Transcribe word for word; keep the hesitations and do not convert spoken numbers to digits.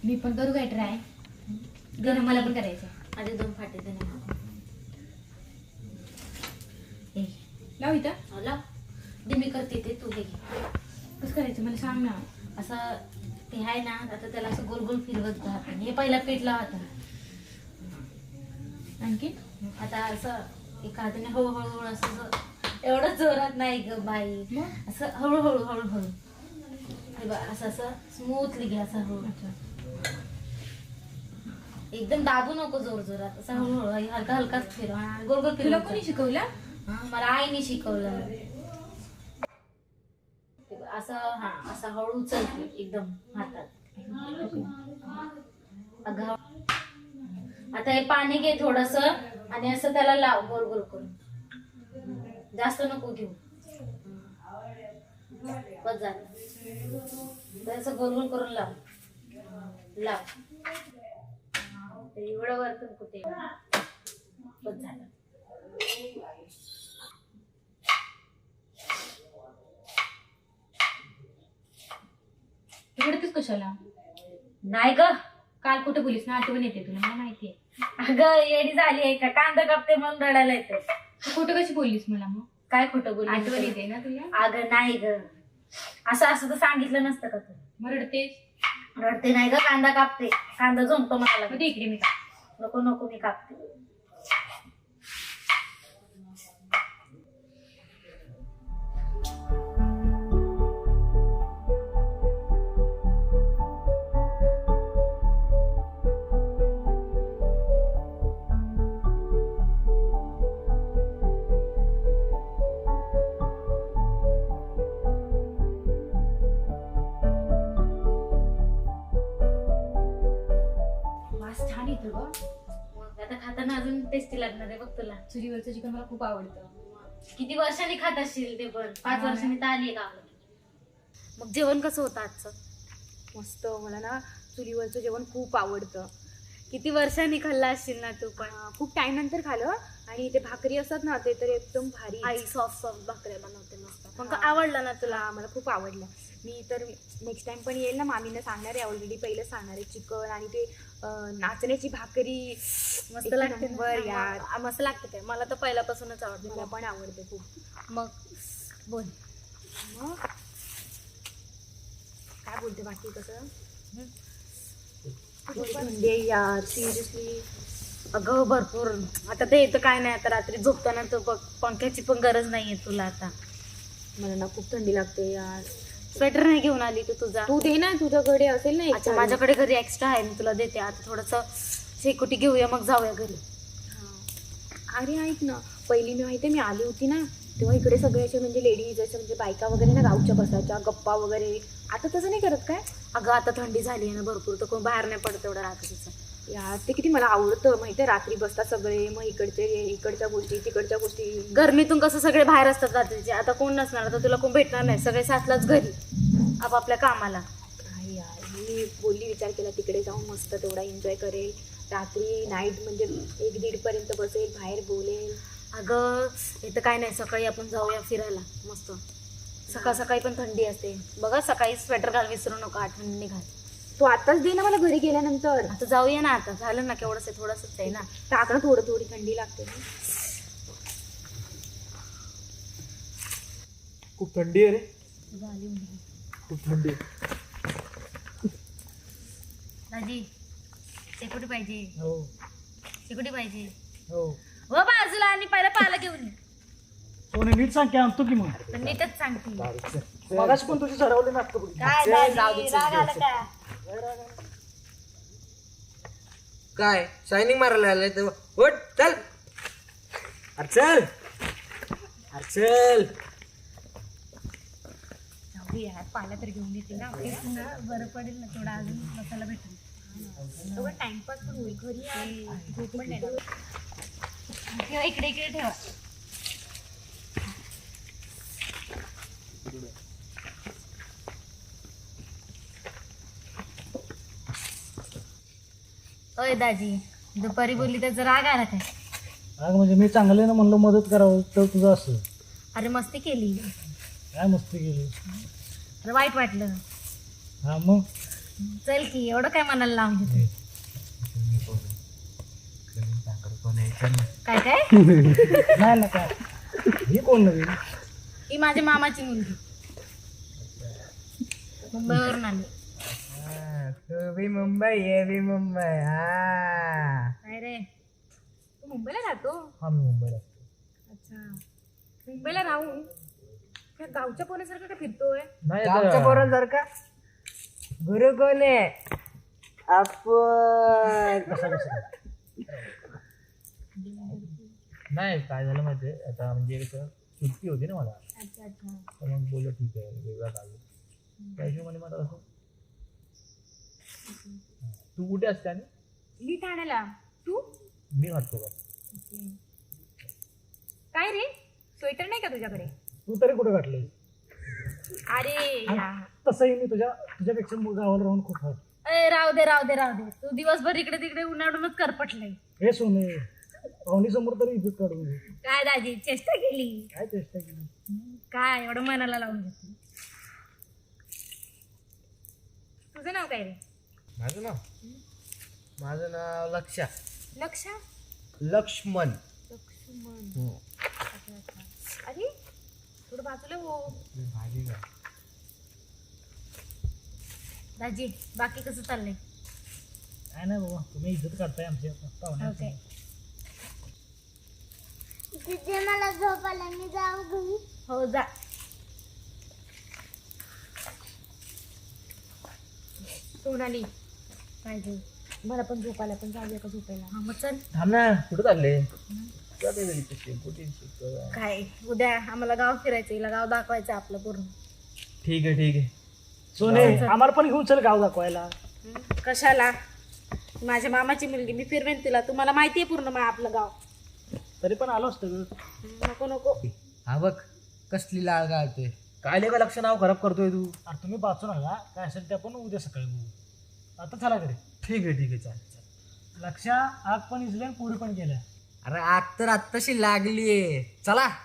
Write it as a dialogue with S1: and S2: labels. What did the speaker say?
S1: मी पण करू काय ट्राय. दे ना, मला पण करायचं.
S2: आधी दोन फाटे दे ना.
S1: लाव इथं.
S2: लाव दे, मी करते ते, तू हे घे.
S1: कसं करायचं मला सांग ना.
S2: असं ते आहे ना, आता त्याला असं गोल गोल फिरवत जा. हे पहिला पीठ लावता.
S1: आणखी
S2: आता असं एका हाताने हळूहळू असं, एवढं जोरात नाही ग बाई, असं हळूहळू हळूहळू हे बघ, असं असं स्मूथली घे. असं हळू, एकदम दाबू नको जोर जोरात, असं हळूहळू हलका हलकाच फिरव. गोल गोल
S1: तुला
S2: फिरव.
S1: कोणी शिकवलं?
S2: मला आईने शिकवलं. असं हा असं हळू चलते एकदम हातात. अगं आता हे पाणी घे थोडस आणि असं त्याला लाव गोल गोल करून. जास्त नको घेऊ, बस झालं. असं गोल गोल करून लाव लाव. एवढं वरतून कुठे, बस झालं.
S1: तिकडे कशाला?
S2: नाही ग,
S1: काल कुठे बोलीस ना, आठवण येते तुला, मला माहितीये.
S2: अगं येडी झाली आहे का, कांदा कापते म्हणून रडायला येते.
S1: तू खोटं कशी बोललीस मला मग?
S2: काय खोटं बोल,
S1: आठवण येते ना तुला?
S2: अगं नाही ग, असं असं तर सांगितलं नसतं का तू.
S1: मग रडतेस?
S2: रडते नाही ग, कांदा कापते. कांदा झोंपतो मला.
S1: मग इकडे मी का?
S2: नको नको, मी कापते.
S1: छान येतो ग.
S2: मग आता खाताना अजून टेस्टी लागणार आहे बघ तुला.
S1: चुलीवरचं चिकन मला खूप आवडतं.
S2: किती वर्षांनी खात असशील ते पण? पाच
S1: हा.
S2: वर्षांनी तर आली का? मग जेवण कसं होतं आजचं?
S1: मस्त. मला ना चुलीवरचं जेवण खूप आवडतं.
S2: किती वर्षांनी खाल्ला असशील ना तू पण?
S1: अं, खूप टाइम नंतर खाल्लं. आणि ते भाकरी असतात ना, ते तर एकदम भारी.
S2: आई सॉफ्ट सॉफ्ट भाकऱ्या बनवते मस्त. मग
S1: हा.
S2: आवडला ना तुला?
S1: तुला मला खूप आवडलं. मी तर नेक्स्ट टाइम पण येईल ना, मामीला सांगणार आहे. ऑलरेडी पहिलं सांगणार आहे. चिकन आणि ते अं, नाचण्याची भाकरी
S2: मस्त
S1: एक
S2: लागते
S1: नंबर यार.
S2: आ, मस्त लागते काय? मला तर पहिल्यापासूनच आवडते.
S1: मला पण आवडते खूप.
S2: मग बोल.
S1: मग काय बोलते बाकी? कसं थंडी आहे यार, सिरियसली.
S2: अगं भरपूर. आता ते येतं काय नाही, आता रात्री झोपताना तर बघ, पंख्याची पण गरज नाहीये तुला आता.
S1: मला ना खूप थंडी लागते यार.
S2: स्वेटर नाही घेऊन आली तू तुझा?
S1: तू दे ना, तुझ्याकडे असेल ना एक
S2: अच्छा,
S1: चावी.
S2: माझ्याकडे घरी एक्स्ट्रा आहे, मी तुला देते. आता थोडंसं शेकोटी घेऊया, मग जाऊया घरी.
S1: हा. अरे ऐक ना, पहिली मी माहिती मी आली होती ना, तेव्हा इकडे सगळे असे म्हणजे लेडीज असे म्हणजे बायका वगैरे ना गावच्या बसायच्या, गप्पा वगैरे. आता तसं नाही करत काय?
S2: अगं आता थंडी झाली आहे ना भरपूर, तर कोण बाहेर नाही पडत एवढं रात्रीचं.
S1: यार ते किती मला आवडतं माहिती आहे. रात्री बसतात सगळे, मग इकडचे इकडच्या गोष्टी तिकडच्या गोष्टी.
S2: गरमीतून कसं सगळे बाहेर असतात रात्रीचे. आता कोण नसणार, तर तुला कोण भेटणार नाही. सगळे सातलाच घरी आपापल्या कामाला.
S1: काय यार, मी बोलली विचार केला तिकडे जाऊन मस्त तेवढा एन्जॉय करेल. रात्री नाईट म्हणजे एक दीड पर्यंत बसेल, बाहेर बोलेल.
S2: अगं इथं काय नाही, सकाळी आपण जाऊया फिरायला मस्त. सकाळ सकाळी पण थंडी असते बघा. सकाळी स्वेटर घाल, विसरू नका, आठवणी घाल.
S1: तू आताच दे ना मला घरी गेल्यानंतर.
S2: आता जाऊया ना, आता झालं ना, केवढंच आहे, थोडंसंच आहे ना.
S1: टाक ना, थोडं थोडी थंडी लागते ना.
S3: खूप थंडी आहे रे,
S2: झाली
S3: खूप थंडी.
S2: दाजी शेकोटी पाहिजे,
S3: हो
S2: शेकोटी पाहिजे.
S3: हो
S2: व बाजूला, आणि पहिला पाला घेऊन ये.
S3: सोने नीट सांग की आणतो की मग.
S2: तर नीटच सांगते.
S3: मगाशी पण तुझी ठरवले ना आता.
S2: काय दाजी, राग आला का?
S4: काय शायनिंग मारायला आलाय तर उठ चल. अरे चल, अरे चल.
S1: जाऊ यार, पाला तर घेऊन येते ना. तेच ना, बरं पडेल ना, थोडा अजून मसाला भेटेल. थोडं टाइमपास पण होईल. घरी झोप पण नाही ना.
S2: ठेवा इकडे, इकडे ठेवा. ओय दाजी, दुपारी बोलली त्याचा राग आला काय?
S3: अगं म्हणजे मी चांगले ना म्हणलं मदत करावं, तर तुझं असं.
S2: अरे मस्ती केली.
S3: काय मस्ती केली?
S2: अरे वाईट वाटलं.
S3: हा मग
S2: चल की एवढं काय मनाला लावून घेतो काय काय
S3: नाही ना काय ही कोण नवीन
S2: ही माझ्या मामाची मुलगी मुंबईवरून आली
S4: तू बी मुंबई ये बी मुंबई हा
S2: काय रे तू मुंबईला राहतो
S3: हा मी मुंबईला असतो.
S1: अच्छा मुंबईला राहून त्या गावच्या पोरासारखं काय फिरतोय
S3: नाही
S4: गावच्या
S3: आता-
S4: पोरांसारखं का गुरु कोण आहे आपण
S3: कसं कसं नाही काय झालं माहितीये आता म्हणजे कसं सुट्टी होती ना मला
S2: अच्छा अच्छा
S3: तर मग बोललो ठीक आहे वेगळा काढलो त्या हिशोबाने मला असं तू कुठे असते आणि
S1: मी ठाण्याला तू
S3: मी वाटतो का
S1: काय रे स्वेटर नाही का तुझ्याकडे
S3: तू तरी कुठे काढले
S1: अरे या-
S3: तसंही मी तुझ्या तुझ्यापेक्षा गावाला राहून खूप हट
S2: अरे राहू दे राहू दे राहू दे तू दिवसभर इकडे तिकडे उन्हाळूनच करपटलंय
S3: हे सोने पाहुणी समोर तरी इज्जत काढून घे.
S2: काय दाजी चेष्टा केली
S3: काय चेष्टा केली
S2: काय एवढं मनाला लावून घेतली
S1: तुझं नाव काय रे
S4: माझं नाव माझं नाव लक्षा
S1: लक्षा
S4: लक्ष्मण
S1: लक्ष्मण अच्छा अच्छा अरे थोडं बाजूला हो
S4: भाजी का
S2: दाजी बाकी कसं चाललंय
S3: काय नाही बाबा तुम्ही इज्जत काढताय आमची पाहुण्याची
S2: ओके
S5: तिथे मला झोप आला मी जाऊ घरी
S2: हो जा
S1: सोनाली
S2: पाहिजे
S1: मला पण झोपायला पण जाऊया का झोपायला
S2: हा मग चल
S3: थांब ना कुठं चालले कुठे
S2: काय उद्या आम्हाला गाव फिरायचं हिला गाव दाखवायचं आपलं पूर्ण
S3: ठीक आहे ठीक आहे सोने आम्हाला पण घेऊन चल गाव दाखवायला
S2: कशाला माझ्या मामाची मुलगी मी फिरवेन तिला तुम्हाला माहिती आहे पूर्ण मा- आपलं गाव
S3: तरी पण आलो असतं ग.
S2: नको नको
S4: हा बघ कसली लाळ गाळते काय लेका लक्ष नाव खराब करतोय तू
S3: अरे तुम्ही वाचू नका काय असेल ते आपण उद्या सकाळी बघू आता चला घरी
S4: ठीक आहे ठीक आहे चालेल चालेल
S3: लक्षा आग पण इजले आणि पुरी पण गेल्या
S4: अरे आग तर आत्ताशी लागलीये चला